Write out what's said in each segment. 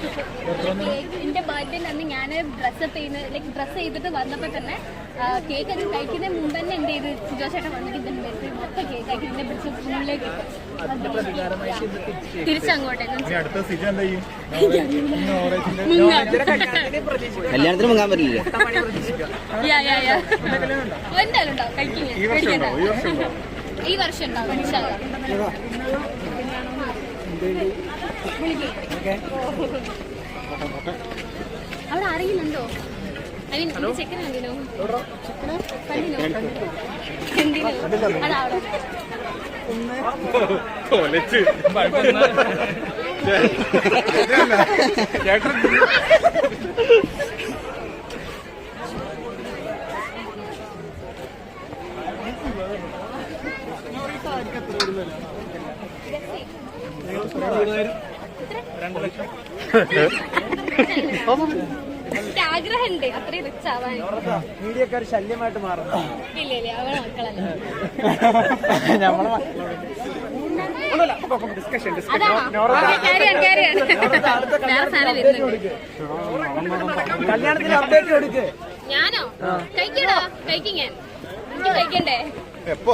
എന്റെ ബർത്ത്ഡേ അന്ന് ഞാൻ ഡ്രസ്സപ്പ് ചെയ്യുന്ന ലൈക്ക് ഡ്രസ്സ് ചെയ്തിട്ട് വന്നപ്പോൾ തന്നെ കേക്ക് അത് കഴിക്കുന്നതിന് മുമ്പ് തന്നെ എന്ത് ചെയ്ത് സുജോഷേട്ടൻ വന്നിട്ട് മൊത്തം കേക്ക് ആക്കി എന്നെ പിടിച്ച് സ്കൂളിലേക്ക് തിരിച്ചങ്ങോട്ടേ കല്യാണത്തിന് മുങ്ങാൻ പറ്റില്ല. എന്തായാലും ഉണ്ടാവും കഴിക്കുന്ന ഈ വർഷം ഉണ്ടാവും. അവിടെ അറിയുന്നുണ്ടോ? ഐ മീൻ ചെക്കൻ കണ്ടിനോ? എന്തിനോ അതവിടെ ആഗ്രഹമുണ്ട് അത്രയും റിച്ച് ആവാൻ. മീഡിയക്കാർ ശല്യമായിട്ട് മാറുന്നു. ഇല്ല ഇല്ല അവളെ മക്കളല്ല. കല്യാണത്തിന് അപ്ഡേറ്റ് കൊടുക്ക്. ഞാനോ കഴിക്കടാ കഴിക്കും ഞാൻ. എനിക്ക് കഴിക്കണ്ടേ? എപ്പോ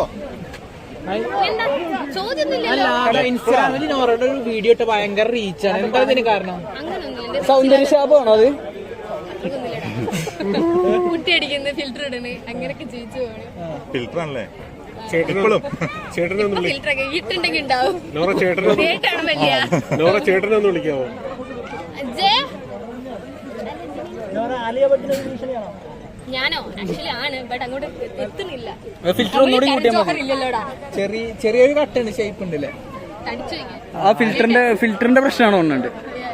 ഇൻസ്റ്റാഗ്രാമിൽ നോറയുടെ ഒരു വീഡിയോ ഇട്ട് ഭയങ്കര റീച്ചാണ്. എന്താ ഇതിന് കാരണം? അങ്ങനൊന്നുമില്ല. സൗന്ദര്യശാപമാണോ അത്? കുട്ടി അടിക്കുന്ന ഫിൽറ്റർ ഇടുന്നു അങ്ങനെയൊക്കെ ജീവിച്ചു പോണ്. ഫിൽറ്റർ ആണല്ലേ? ഫിൽറ്റർ ഒക്കെ ഇട്ടുണ്ടെങ്കിൽ ഉണ്ടാവും. ചേട്ടനൊന്ന് വിളിക്കാവോ? ഞാനോ ആക്ച്വലി ആണ് ബട്ട് അങ്ങോട്ട് എത്തുന്നില്ല. ഫിൽറ്റർ ഒന്നുകൂടി കൂട്ടിയാൽ ഇല്ലല്ലോടാ. ചെറിയൊരു കട്ടുണ്ട് ഷേപ്പ് ഉണ്ടല്ലേ? ആ ഫിൽറ്ററിന്റെ പ്രശ്നമാണോ? ഒന്നുണ്ട്.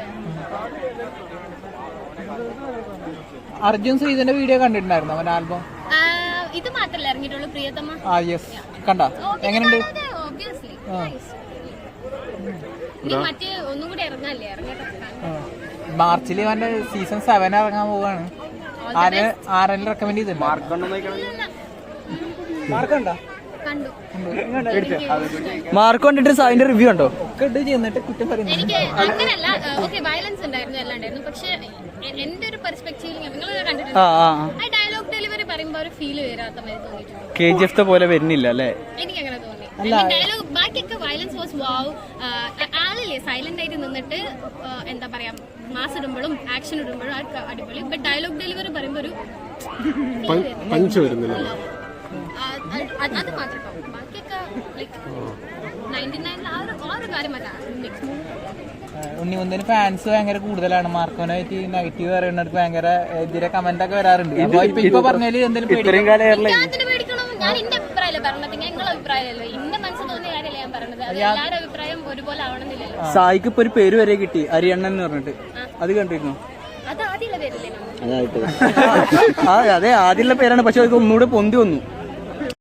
അർജുൻ ശ്രീധന്റെ വീഡിയോ കണ്ടിട്ടുണ്ടായിരുന്നു അവന്റെ ആൽബം. ഇത് മാത്രല്ല ഇറങ്ങിയിട്ടുള്ളൂ പ്രിയതമ്മ. ആ യെസ് കണ്ടാ എങ്ങനെയുണ്ട്? മറ്റേ ഒന്നും കൂടി ഇറങ്ങാല്ലേ? മാർച്ചിൽ അവന്റെ സീസൺ 7 ഇറങ്ങാൻ പോവാണ്. ആരെല്ലാം റെക്കമെൻഡ് ചെയ്തിട്ടുണ്ട്? മാർക്ക് കണ്ടിട്ട് അതിന്റെ റിവ്യൂ ഉണ്ടോ? ചെയ്യുന്നിട്ട് കുറ്റം പറയുന്നു. എനിക്ക് അങ്ങനല്ല. ഓക്കെ വയലൻസ് ഉണ്ടായിരുന്നു എല്ലാം ഉണ്ടായിരുന്നു. പക്ഷെ എന്റെ ഒരു പെർസ്പെക്ടീവിൽ നിങ്ങൾ കണ്ടിട്ടുണ്ട് ആ ഡയലോഗ് ഡെലിവറി പറയുമ്പോ ഒരു ഫീല് വരാത്ത മാതിരി തോന്നിയിട്ടുണ്ട്. KGF പോലെ വരുന്നില്ല അല്ലേ? എനിക്ക് അങ്ങനെ തോന്നി. ഡയലോഗ് ബാക്കിയൊക്കെ വയലൻസ് വാസ് വാവ്. ആളില്ലേ സൈലന്റ് ആയിട്ട് നിന്നിട്ട് എന്താ പറയാ മാസ് ഇടുമ്പോഴും ആക്ഷൻ ഇടുമ്പോഴും അടിപൊളി. ബട്ട് ഡയലോഗ് ഡെലിവറി പറയുമ്പോ ഒരു പഞ്ച് വരുന്നില്ല. അത് മാത്രം. ബാക്കിയൊക്കെ ലൈക്ക് 99 ആ ഒരു കാര്യം അല്ല. ഉണ്ണിമുന്തന് ഫാൻസ് ഭയങ്കര കൂടുതലാണ്. മാർക്കോനായിട്ട് നെഗറ്റീവ് പറയുന്നവർക്ക് ഭയങ്കര എതിരെ കമന്റ് ഒക്കെ വരാറുണ്ട്. ഇപ്പൊ പറഞ്ഞാല് എന്തെങ്കിലും പേടിക്കണം. ഞാൻ എന്റെ അഭിപ്രായമല്ല പറഞ്ഞത്, നിങ്ങളുടെ അഭിപ്രായമല്ലോ. എന്റെ മനസ്സിൽ തോന്നിയ കാര്യമല്ല ഞാൻ പറഞ്ഞത്. അത് എല്ലാവരുടെ അഭിപ്രായം ഒരുപോലെ ആവണമെന്നില്ലല്ലോ. സായിക്ക് ഇപ്പൊ ഒരു പേര് വരെ കിട്ടി, അരിയണ്ണൻ എന്ന് പറഞ്ഞിട്ട്. അത് കണ്ടിരുന്നു? അത് ആദ്യമുള്ള പേരല്ലേ? അതെ ആദ്യമുള്ള പേരാണ്. പക്ഷെ അത് ഒന്നുകൂടെ പൊന്തി വന്നു.